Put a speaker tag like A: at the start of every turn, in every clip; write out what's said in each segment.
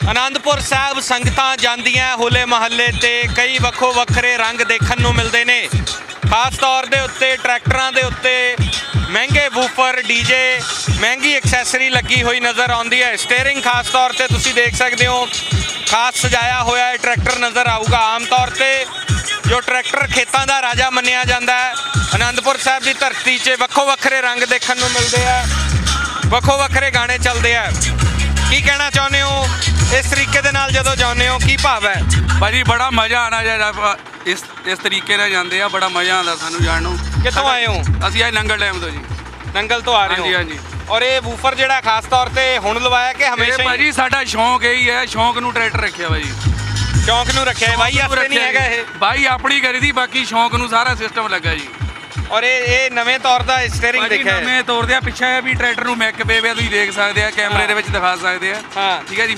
A: आनंदपुर साहब संगतां जांदियां होले महल्ले ते कई वक्खो वक्खरे रंग देखण नूं मिलदे ने। खास तौर दे उत्ते ट्रैक्टरां दे उत्ते महंगे वूफर डीजे महंगी एक्सैसरी लगी हुई नज़र आउंदी है। स्टेयरिंग खास तौर ते तुसीं देख सकदे हो खास सजाया होया है ट्रैक्टर नज़र आऊगा। आम तौर ते जो ट्रैक्टर खेतां दा राजा मन्निया जांदा है, आनंदपुर साहब की धरती 'च वक्खो वक्खरे रंग देखण नूं मिलदे आ, वक्खो वक्खरे गाने चलदे आ। की कहना चाहुंदे हो इस तरीके दे नाल जदों जाने हो, की भाव है?
B: भाजी बड़ा मज़ा आना चाहिए इस तरीके नाल जांदे आ, बड़ा मज़ा आंदा सानू जाण नूं।
A: कित्थों आए हो?
B: असीं आए नंगल डैम तो जी।
A: नंगल तो आ रहे हो?
B: हाँ जी।
A: और ये वूफर जिहड़ा खास तौर ते हुण लवाया कि हमेशा?
B: भाजी साडा शौक यही है, शौक नूं ट्रैक्टर रखिया भाजी,
A: शौक नूं रखिया है। बाई आस्ते नहीं हैगा ये?
B: बाई अपनी करी दी, बाकी शौक नूं सारा सिस्टम लगा जी।
A: और ये नਵੇਂ तौर ਦਾ ਸਟੀਅਰਿੰਗ ਦੇਖਿਆ ਹੈ?
B: ਨਵੇਂ ਤੌਰ ਦੇ ਪਿੱਛੇ ਵੀ ਟਰੈਕਟਰ ਨੂੰ ਮੈਕ ਪੇ ਵੇ ਤੁਸੀਂ ਦੇਖ ਸਕਦੇ ਆ, ਕੈਮਰੇ ਦੇ ਵਿੱਚ ਦਿਖਾ ਸਕਦੇ ਆ।
A: ਹਾਂ
B: ਠੀਕ ਹੈ ਜੀ।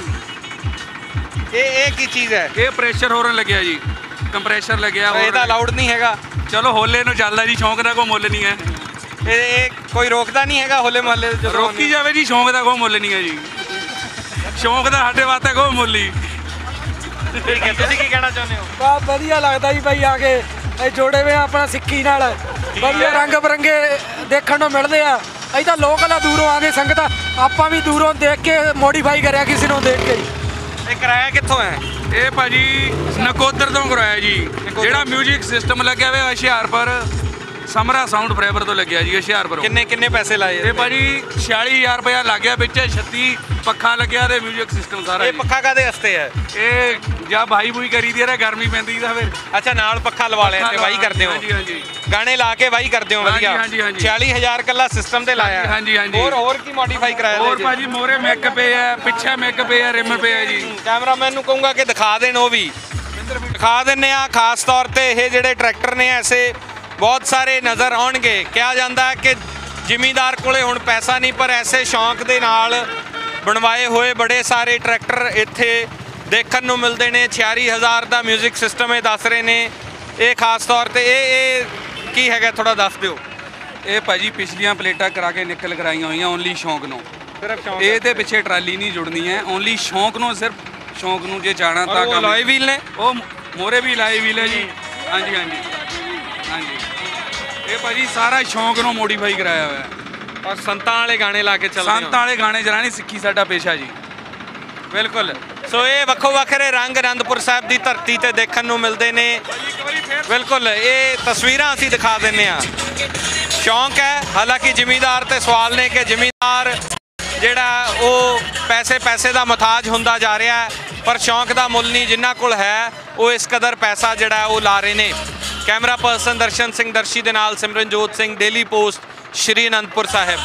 A: ਇਹ ਕੀ ਚੀਜ਼ ਹੈ?
B: ਇਹ ਪ੍ਰੈਸ਼ਰ ਹੋਰਨ ਲੱਗਿਆ ਜੀ, ਕੰਪਰੈਸ਼ਰ ਲੱਗਿਆ।
A: ਇਹਦਾ ਅਲਾਉਡ ਨਹੀਂ ਹੈਗਾ?
B: ਚਲੋ ਹੋਲੇ ਨੂੰ ਚੱਲਦਾ ਜੀ, ਸ਼ੌਂਕ ਦਾ ਕੋਈ ਮੁੱਲ ਨਹੀਂ ਹੈ।
A: ਇਹ ਕੋਈ ਰੋਕਦਾ ਨਹੀਂ ਹੈਗਾ ਹੋਲੇ ਮਹੱਲੇ ਦੇ?
B: ਰੋਕੀ ਜਾਵੇ ਜੀ, ਸ਼ੌਂਕ ਦਾ ਕੋਈ ਮੁੱਲ ਨਹੀਂ ਹੈ ਜੀ, ਸ਼ੌਂਕ ਦਾ ਸਾਡੇ ਵਾਸਤੇ ਕੋਈ ਮੁੱਲ ਨਹੀਂ।
A: ਠੀਕ ਹੈ, ਤੁਸੀਂ ਕੀ ਕਹਿਣਾ ਚਾਹੁੰਦੇ ਹੋ?
C: ਬਹੁਤ ਵਧੀਆ ਲੱਗਦਾ ਜੀ ਭਾਈ ਆ ਕੇ, ਇਹ ਜੋੜੇ ਵੇ ਆਪਣਾ ਸਿੱਕੀ ਨਾਲ ਵਧੀਆ ਰੰਗ ਬਰੰਗੇ ਦੇਖਣ ਨੂੰ ਮਿਲਦੇ ਆ। ਅਸੀਂ ਤਾਂ ਲੋਕਲ ਆ, ਦੂਰੋਂ ਆ ਕੇ ਸੰਗਤ ਆਪਾਂ ਵੀ ਦੂਰੋਂ ਦੇਖ ਕੇ ਮੋਡੀਫਾਈ ਕਰਿਆ ਕਿਸੇ ਨੂੰ ਦੇਖ ਕੇ।
A: ਇਹ ਕਿਰਾਇਆ ਕਿੱਥੋਂ ਹੈ?
B: ਇਹ ਭਾਜੀ ਨਕੋਦਰ ਤੋਂ ਕਰਾਇਆ ਜੀ। ਜਿਹੜਾ ਮਿਊਜ਼ਿਕ ਸਿਸਟਮ ਲੱਗਿਆ ਹੋਇਆ ਹੁਸ਼ਿਆਰਪੁਰ ਸਮਰਾ ਸਾਊਂਡ ਫਰੇਵਰ ਤੋਂ ਲੱਗਿਆ ਜੀ ਹੁਸ਼ਿਆਰਪੁਰ।
A: ਕਿੰਨੇ ਪੈਸੇ ਲਾਏ?
B: ਇਹ ਭਾਜੀ 46000 ਰੁਪਇਆ ਲੱਗ ਗਿਆ, ਵਿੱਚ 36 ਪੱਖਾ ਲੱਗਿਆ ਤੇ ਮਿਊਜ਼ਿਕ ਸਿਸਟਮ ਸਾਰਾ।
A: ਇਹ ਪੱਖਾ ਕਾਦੇ ਵਾਸਤੇ ਹੈ?
B: ਇਹ ਜਾਂ ਭਾਈ ਬੂਈ ਕਰੀ ਦੀ ਹੈ, ਗਰਮੀ ਪੈਂਦੀ ਤਾਂ ਫਿਰ।
A: ਅੱਛਾ, ਨਾਲ ਪੱਖਾ ਲਵਾ ਲਿਆ ਤੇ ਵਾਹੀ ਕਰਦੇ ਹੋ?
B: ਹਾਂਜੀ ਹਾਂਜੀ,
A: ਗਾਣੇ ਲਾ ਕੇ ਵਾਹੀ ਕਰਦੇ ਹੋ? ਵਧੀਆ। 46000 ਕੱਲਾ ਸਿਸਟਮ ਤੇ ਲਾਇਆ?
B: ਹਾਂਜੀ ਹਾਂਜੀ।
A: ਹੋਰ ਕੀ ਮੋਡੀਫਾਈ ਕਰਾਇਆ?
B: ਹੋਰ ਭਾਜੀ ਮੋਰੇ ਮੈਕ ਪੇ ਹੈ, ਪਿੱਛੇ ਮੈਕ ਪੇ ਹੈ, ਰਿਮ ਪੇ ਹੈ ਜੀ।
A: ਕੈਮਰਾਮੈਨ ਨੂੰ ਕਹੂੰਗਾ ਕਿ ਦਿਖਾ ਦੇਣ, ਉਹ ਵੀ ਦਿਖਾ ਦਿੰਨੇ ਆ। ਖਾਸ ਤੌਰ ਤੇ ਇਹ ਜਿਹੜੇ ਟਰੈਕਟਰ ਨੇ ਐਸੇ ਬਹੁਤ ਸਾਰੇ ਨਜ਼ਰ ਆਉਣਗੇ। ਕਿਹਾ ਜਾਂਦਾ ਹੈ ਕਿ ਜ਼ਿਮੀਂਦਾਰ ਕੋਲੇ ਹੁਣ ਪੈਸਾ ਨਹੀਂ, ਪਰ ਐਸੇ ਸ਼ੌਂਕ ਦੇ ਨਾਲ ਬਣਵਾਏ ਹੋਏ ਬੜੇ ਸਾਰੇ ਟਰੈਕਟਰ ਇੱਥੇ ਦੇਖਣ ਨੂੰ ਮਿਲਦੇ ਨੇ। 46000 ਦਾ ਮਿਊਜ਼ਿਕ ਸਿਸਟਮ ਇਹ ਦੱਸ ਰਹੇ ਨੇ। ਇਹ ਖਾਸ ਤੌਰ ਤੇ ਇਹ ਕੀ ਹੈਗਾ, ਥੋੜਾ ਦੱਸ ਦਿਓ।
B: ਇਹ ਭਾਜੀ ਪਿਛਲੀਆਂ ਪਲੇਟਾਂ ਕਰਾ ਕੇ ਨਿਕਲ ਕਰਾਈਆਂ ਹੋਈਆਂ, ਓਨਲੀ ਸ਼ੌਂਕ ਨੂੰ।
A: ਸਿਰਫ ਸ਼ੌਂਕ?
B: ਇਹਦੇ ਪਿੱਛੇ ਟਰਾਲੀ ਨਹੀਂ ਜੁੜਨੀ ਹੈ, ਓਨਲੀ ਸ਼ੌਂਕ ਨੂੰ, ਸਿਰਫ ਸ਼ੌਂਕ ਨੂੰ ਜੇ ਜਾਣਾ ਤਾਂ।
A: ਉਹ ਲਾਏ ਵੀਲ ਨੇ?
B: ਉਹ ਮੋਰੇ ਵੀ ਲਾਏ ਵੀਲ ਹੈ ਜੀ। ਹਾਂਜੀ ਹਾਂਜੀ ਹਾਂਜੀ। ਇਹ ਭਾਜੀ ਸਾਰਾ ਸ਼ੌਂਕ ਨੂੰ ਮੋਡੀਫਾਈ ਕਰਾਇਆ ਹੋਇਆ ਹੈ।
A: ਔਰ ਸੰਤਾਂ ਵਾਲੇ ਗਾਣੇ ਲਾ ਕੇ ਚੱਲਦੇ?
B: ਸੰਤਾਂ ਵਾਲੇ ਗਾਣੇ ਚਲਾਣੇ ਸਿੱਖੀ ਸਾਡਾ ਪੇਸ਼ਾ ਜੀ।
A: ਬਿਲਕੁਲ। ਸੋ ਇਹ ਵੱਖੋ ਵੱਖਰੇ ਰੰਗ ਆਨੰਦਪੁਰ ਸਾਹਿਬ ਦੀ ਧਰਤੀ ਤੇ ਦੇਖਣ ਨੂੰ ਮਿਲਦੇ ਨੇ। ਬਿਲਕੁਲ, ਇਹ ਤਸਵੀਰਾਂ ਅਸੀਂ ਦਿਖਾ ਦਿੰਨੇ ਆ। ਸ਼ੌਂਕ ਹੈ, ਹਾਲਾਂਕਿ ਜ਼ਿਮੀਂਦਾਰ ਤੇ ਸਵਾਲ ਨੇ ਕਿ ਜ਼ਿਮੀਂਦਾਰ ਜਿਹੜਾ ਉਹ ਪੈਸੇ ਦਾ ਮੁਹਤਾਜ ਹੁੰਦਾ ਜਾ ਰਿਹਾ ਹੈ, ਪਰ ਸ਼ੌਂਕ ਦਾ ਮੁੱਲ ਨਹੀਂ। ਜਿਨ੍ਹਾਂ ਕੋਲ ਹੈ ਉਹ ਇਸ ਕਦਰ ਪੈਸਾ ਜਿਹੜਾ ਉਹ ਲਾ ਰਹੇ ਨੇ। ਕੈਮਰਾ ਪਰਸਨ ਦਰਸ਼ਨ ਸਿੰਘ ਦਰਸ਼ੀ ਦੇ ਨਾਲ ਸਿਮਰਨਜੋਤ ਸਿੰਘ, ਡੇਲੀ ਪੋਸਟ, ਸ਼੍ਰੀ ਅਨੰਦਪੁਰ ਸਾਹਿਬ।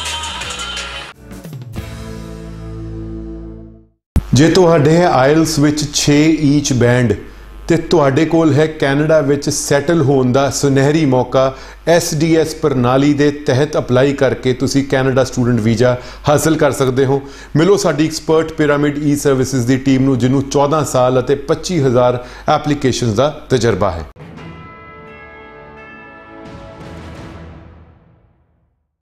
D: ਜੇ ਤੁਹਾਡੇ ਹੈ ਆਇਲਸ ਵਿੱਚ 6 ਈਚ ਬੈਂਡ ਤੇ ਤੁਹਾਡੇ ਕੋਲ ਹੈ ਕੈਨੇਡਾ ਵਿੱਚ ਸੈਟਲ ਹੋਣ ਦਾ ਸੁਨਹਿਰੀ ਮੌਕਾ, SDS ਪ੍ਰਣਾਲੀ ਦੇ ਤਹਿਤ ਅਪਲਾਈ ਕਰਕੇ ਤੁਸੀਂ ਕੈਨੇਡਾ ਸਟੂਡੈਂਟ ਵੀਜ਼ਾ ਹਾਸਲ ਕਰ ਸਕਦੇ ਹੋ। ਮਿਲੋ ਸਾਡੀ ਐਕਸਪਰਟ ਪਿਰਾਮਿਡ ਈ ਸਰਵਿਸਿਜ਼ ਦੀ ਟੀਮ ਨੂੰ, ਜਿਹਨੂੰ 14 ਸਾਲ ਅਤੇ 25000 ਐਪਲੀਕੇਸ਼ਨਸ ਦਾ ਤਜਰਬਾ ਹੈ।